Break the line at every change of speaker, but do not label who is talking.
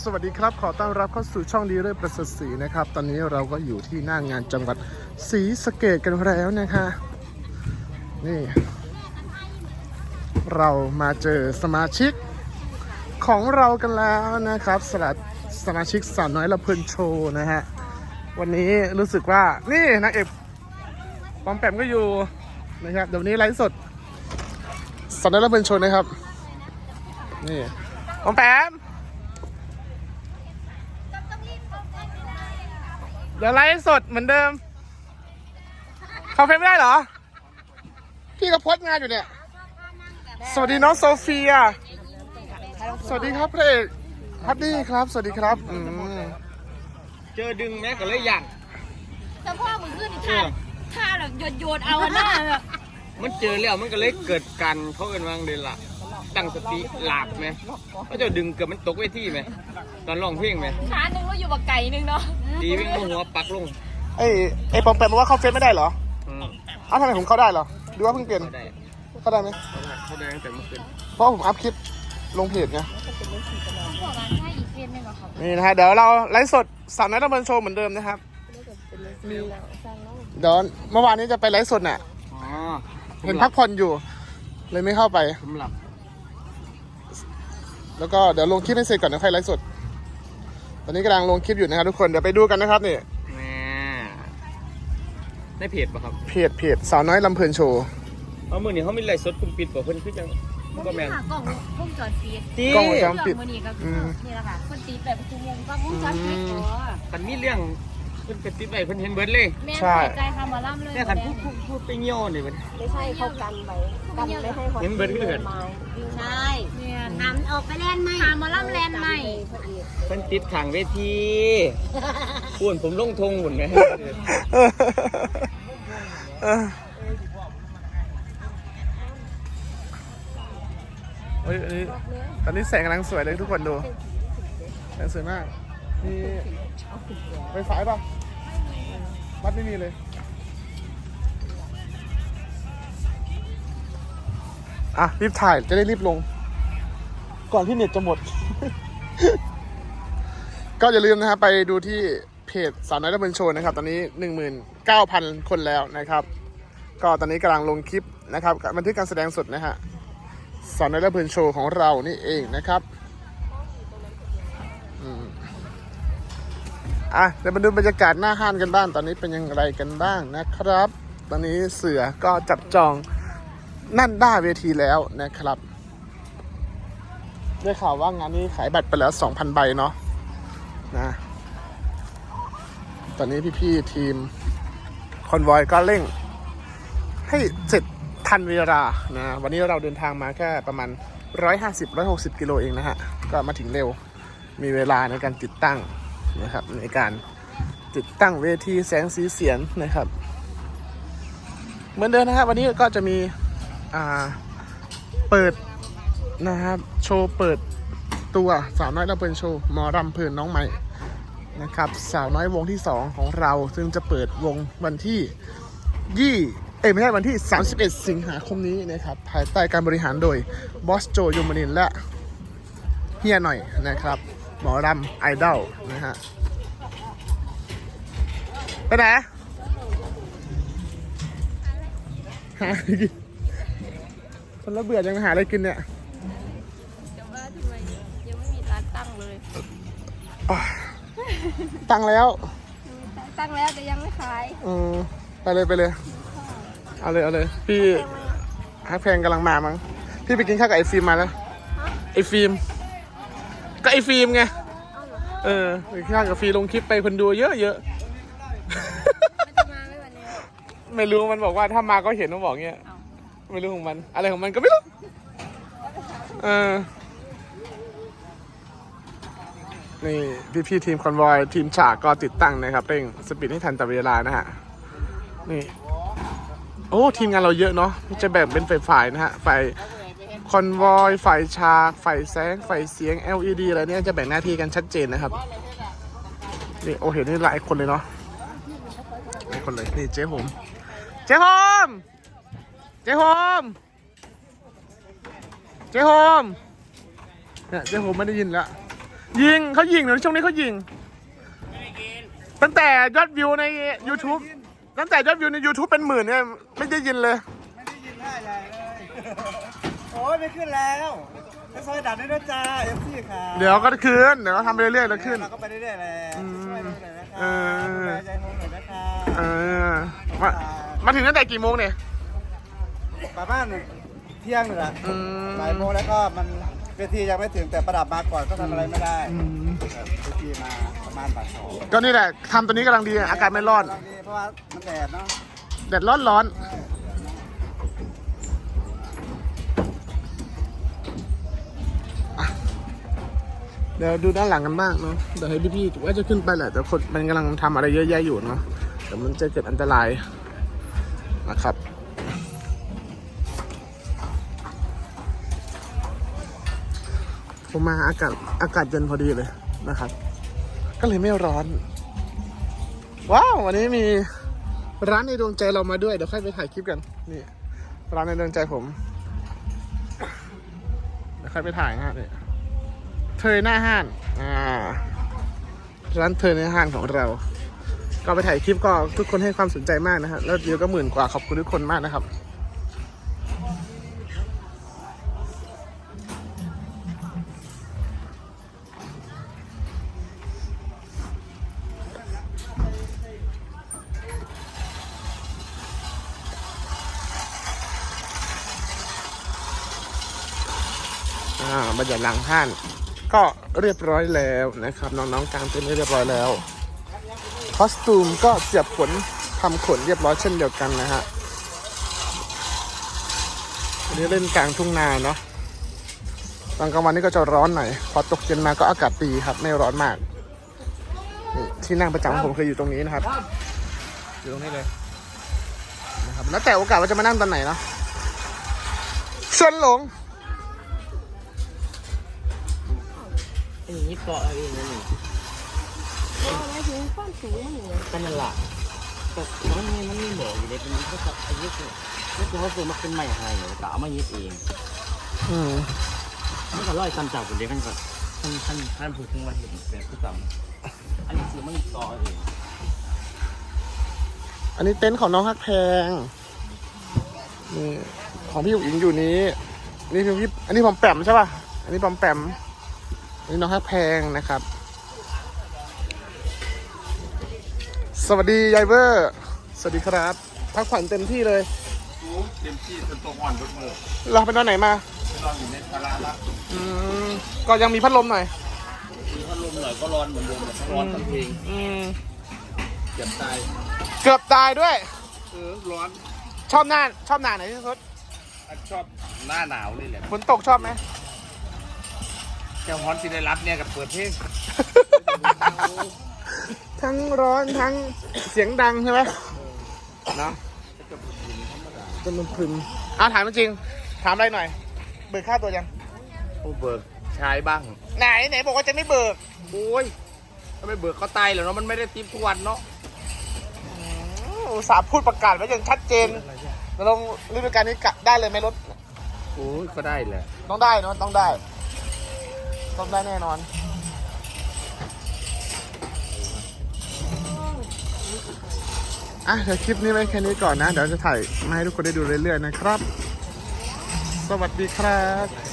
สวัสดีครับขอต้อนรับเข้าสู่ช่องดีเรื่อยประเสริฐศรีนะครับตอนนี้เราก็อยู่ที่หน้างานจังหวัดศรีสะเกษกันแล้วนะคะนี่เรามาเจอสมาชิกของเรากันแล้วนะครับสมาชิกสาวน้อยละเพลินโชว์นะฮะวันนี้รู้สึกว่านี่นางเอกปอมแปมก็อยู่นะครับเดี๋ยวนี้ไลฟ์สดสาวน้อยละเพลินโชว์นะครับนี่ปอมแปมเดี๋ยวไลฟ์สดเหมือนเดิมเข้าเฟซไม่ได้เหรอพี่ก็โพสต์งานอยู่เนี่ยสวัสดีน้องโซเฟียสวัสดีครับพระเอกฮัตตี้ครับสวัสดีครับ
เจอดึงแม่ก็เลยอยาก
แต่พ่อมึงขึ้นท่าแบบโยนเอาหน้าแบบ
มันเจอแล้วมันก็เลยเกิดกันเขาเอิ้นว่าเลยล่ะตั้งสติหลับไหมเขาจะดึงเกือบมันตกเวทีไหมตอนร้องเพลงไหม
ขาหนึ่งก็อยู่กับไก่หนึ่งเนาะ
ตีวิ่งหัวปักลง
ไอ้ปอมแปมบอกว่าเข้าเฟซไม่ได้เหรออ้าวทำไมผมเข้าได้เหรอดูว่าเพิ่งเปลี่ยนเข้าได้ไหม
เขาได้ตั้งแต่เมื่อคืน
เพราะผมอัพคลิปลงเพจไงนี่นะฮะเดี๋ยวเราไลฟ์สดสาวน้อยละเพลินโชว์เหมือนเดิมนะครับเดี๋ยวเมื่อวานนี้จะไปไลฟ์สดน่ะเห็นพักผ่อนอยู่เลยไม่เข้าไป
ผมหลับ
แล้วก็เดี๋ยวลงคลิปให้เสร็จก่อนเดี๋ยวค่อยไลฟ์สดตอนนี้กำลังลงคลิปอยู่นะครับทุกคนเดี๋ยวไปดูกันนะครับนี่
ในเพจป่ะครับ
เพจสาวน้อยลำเพลินโชว์
เอามือนี่เขามีไลฟ์สดคุณปิดป่ะเพิ่นคือจัง
ก็แม่กล้องวงจรปิด
กล้องวงจรปิด
มือนี่ก็คือนี่แหละค่ะคนตีแบบชั่วโมงก็วงจรปิด
มันมีเรื่องเพิ่นเป็นติดไปเพิ่นเห็นเบิร์ดเลย
ใช่ใจคำมาล่ำเลย
เนี่ยคันพูดไปเงี้ยวนี่มัน
ไม่ใช่เขากันไว้กันไม่ให้คน
เห็นเบิร์ดก็เห็น
ใช่ทำออกไปแลนด์ใหม่
คำมาล่ำแลนด์ใหม่
เพิ่นติดขังเวทีพูนผมลงทงหุ่นไหม
เฮ้ยตอนนี้แสงกำลังสวยเลยทุกคนดูแสงสวยมากมีไฟฟ้าป่ะวัดไม่มีเลยอ่ะรีบถ่ายจะได้รีบลงก่อนที่เน็ตจะหมด ก็อย่าลืมนะครับไปดูที่เพจสาวน้อยละเพลินโชว์นะครับตอนนี้ 19,000 คนแล้วนะครับก็ตอนนี้กำลังลงคลิปนะครับบันทึกการแสดงสดนะฮะสาวน้อยละเพลินโชว์ของเรานี่เองนะครับเดี๋ยวมาดูบรรยากาศหน้าห้านกันบ้างตอนนี้เป็นยังไงกันบ้างนะครับตอนนี้เสือก็จับจองนั่นได้เวทีแล้วนะครับได้ข่าวว่างานนี้ขายบัตรไปแล้ว 2,000 ใบเนาะนะตอนนี้พี่ๆทีมคอนวอยก็เร่งให้เสร็จทันเวลานะวันนี้เราเดินทางมาแค่ประมาณ150-160 กิโลเองนะฮะก็มาถึงเร็วมีเวลาในการติดตั้งนะครับในการติดตั้งเวทีแสงสีเสียงนะครับเหมือนเดิมนะครับวันนี้ก็จะมีเปิดนะครับโชว์เปิดตัวสาวน้อยละเพลินโชว์หมอรำเพลินน้องใหม่นะครับสาวน้อยวงที่2ของเราซึ่งจะเปิดวงวันที่ไม่ใช่วันที่31 สิงหาคมนี้นะครับภายใต้การบริหารโดยบอสโจยมนินทร์และเฮียหน่อยนะครับหมอรำไอดอลนะฮะไปไหนหาอะไรกินคนละเบื่อยังหาอะไรกินเนี่ย
แต่ว่าทำไมยังไม่มีร้านตั้งเลย
ตั้งแล้ว
ตั้งแล้วแต่ยังไม่ขาย
ไปเลยเอาเลยพี่ฮักแพงกำลังมามั้งพี่ไปกินข้าวกับไอฟิล์มมาแล้วไอฟิล์มก็ไอฟิล์มไงไปกินข้าวกับฟิล์มลงคลิปไปคนดูเยอะ
มันจะมาไหมวันนี้
ไม่รู้มันบอกว่าถ้ามาก็เห็นมันบอกเงี้ยไม่รู้ของมันอะไรของมันก็ไม่รู้นี่พี่ทีมคอนวอยทีมฉากก็ติดตั้งนะครับเร่งสปีดให้ทันต่อเวลานะฮะนี่โอ้ทีมงานเราเยอะเนาะจะแบ่งเป็นฝ่ายนะฮะฝ่ายคอนวอยฝ่ายฉากฝ่ายแสงฝ่ายเสียง LED อะไรเนี่ยจะแบ่งหน้าที่กันชัดเจนนะครับนี่โอ้เห็นนี่หลายคนเลยเนาะหลายคนเลยนี่เจ๊โฮมเนี่ยเจ๊โฮมไม่ได้ยินแล้วยิงเขายิงเดี๋ยวช่วงนี้เขายิงตั้งแต่ยอดวิวใน YouTube ตั้งแต่ยอดวิวใน YouTube เป็นหมื่นเนี่ยไม่ได้ยินเลย
ไม่ได้ยินท่าใหญ่เลย โอ้ยไม่ขึ้นแล้วไปซอยดัดด้วยนะจ้าเอฟซีค่ะ
เดี๋ยวก็คืนเดี๋ยวทำไปเรื่อยๆแล้วขึ้น
เราก็ไปเรื่อยๆแหละช่วยเราหน่อยนะคะ
เออ
ดูแลใจโฮมหน่อยนะคะ
เออมาถึงตั้งแต่กี่โมงเนี่ย
ประมาณเที่ยงนี่แหละ
อืม
บ่ายโมงแล้วก็มันเวทียังไม่ถึงแต่ประดับมาก่อนก็ทำอะไรไม่ได้
อืม
เวทีมาประมาณบ่ายสอง
ก็นี่แหละทำตัวนี้กำลังดีอากาศไม่ร้อน
ตอนนี้เพราะว่ามันแดดเนาะ
แดดร้อนเดี๋ยวดูด้านหลังกันบ้างเนาะเดี๋ยวให้พี่ๆว่าจะขึ้นไปแหละแต่คนมันกำลังทำอะไรเยอะแยะอยู่เนาะแต่มันจะเกิดอันตรายนะครับผมมาอากาศเย็นพอดีเลยนะครับ ก็เลยไม่ร้อน ว้าววันนี้มีร้านในดวงใจเรามาด้วยเดี๋ยวค่อยไปถ่ายคลิปกันนี่ร้านในดวงใจผมเดี๋ยวค่อยไปถ่ายนะฮะนี่เธอหน้าห้านร้านเธอในห้างของเรา ก็ไปถ่ายคลิปก็ทุกคนให้ความสนใจมากนะฮะแล้ววิวก็10,000 กว่าขอบคุณทุกคนมากนะครับบรรยากาศหลังห้านก็เรียบร้อยแล้วนะครับน้องๆกางเต็นท์เรียบร้อยแล้วคอสตูมก็เสียบขนทำขนเรียบร้อยเช่นเดียวกันนะฮะวันนี้เล่นกลางทุ่งนาเนาะตอนกลางวันนี้ก็จะร้อนหน่อยพอตกเย็นมาก็อากาศดีครับไม่ร้อนมากนี่ที่นั่งประจำของผมเคยอยู่ตรงนี้นะครับอยู่ตรงนี้เลยนะครับแล้วแต่โอกาสว่าจะมานั่งตอนไหนเนาะเชิญหลง
อย่างนี้เกาะอะไรนั่นนี่
ไม่ถึงความสูงมันอยู่
กันนั่นแหละแต่มันมีบอกอยู่ในเป็นเขาจะอายุเนี่ยนี่คือเขาซื้อมาเป็นใหม่ให้เนี่ยแต่เอามายึดเอง มันก็ร้อยตำจากคนเดียวกันก่อนท่านพูดถึงว่าเห็นแบบที่ตำอันนี้คือมันต่อเอง
อันนี้เต็นท์ของน้องฮักแพงนี่ของพี่อุ๋งอิงอยู่นี้นี่คือพี่อันนี้ผมแปมใช่ป่ะอันนี้ผมแปมอันนี้น้องฮักแพงนะครับ สวัสดียายเวอร์สวัสดีครับพักผ่อนเต็มที่เลย
เต็มที่จนตัวอ่อนทุกมือ
เราไปนอนไหนมา
นอนอยู่ในศาลาละ
ก็ยังมีพัดลมหน่อย
มีพัดลมหน่อยก็ร้อนเหมือนเดิมร้อนทั้งเพลง
เจ็บตาย
เกือบตายด้วย
ร้อน
ชอบหน้าไหนที่สุด
ชอบหน้าหนาวนี่แหละ
ฝนตกชอบไหม
เจ้าฮอนซิได้รับเนี่ยกับเปิดเพลง
ทั้งร้อนทั้งเสียงดังใช่ไหมเนาะจนมันพึมถามจริงถามอะไรหน่อยเบิกค่าตัวยัง
ผู้เบิกใช้บ้าง
ไหนบอกว่าจะไม่เบิก
โอ้ยถ้าไม่เบิกก็ตายแล้วเนาะมันไม่ได้ทิปทุกวันเนาะ
อุตส่าห์พูดประกาศไว้อย่างชัดเจนแล้วลงฤดูกาลนี้กะได้เลยไหมรถ
โอ้ยก็ได้แหละ
ต้องได้เนาะต้องได้แน่นอนเดี๋ยวคลิปนี้ไว้แค่นี้ก่อนนะเดี๋ยวจะถ่ายมาให้ทุกคนได้ดูเรื่อยๆนะครับสวัสดีครับ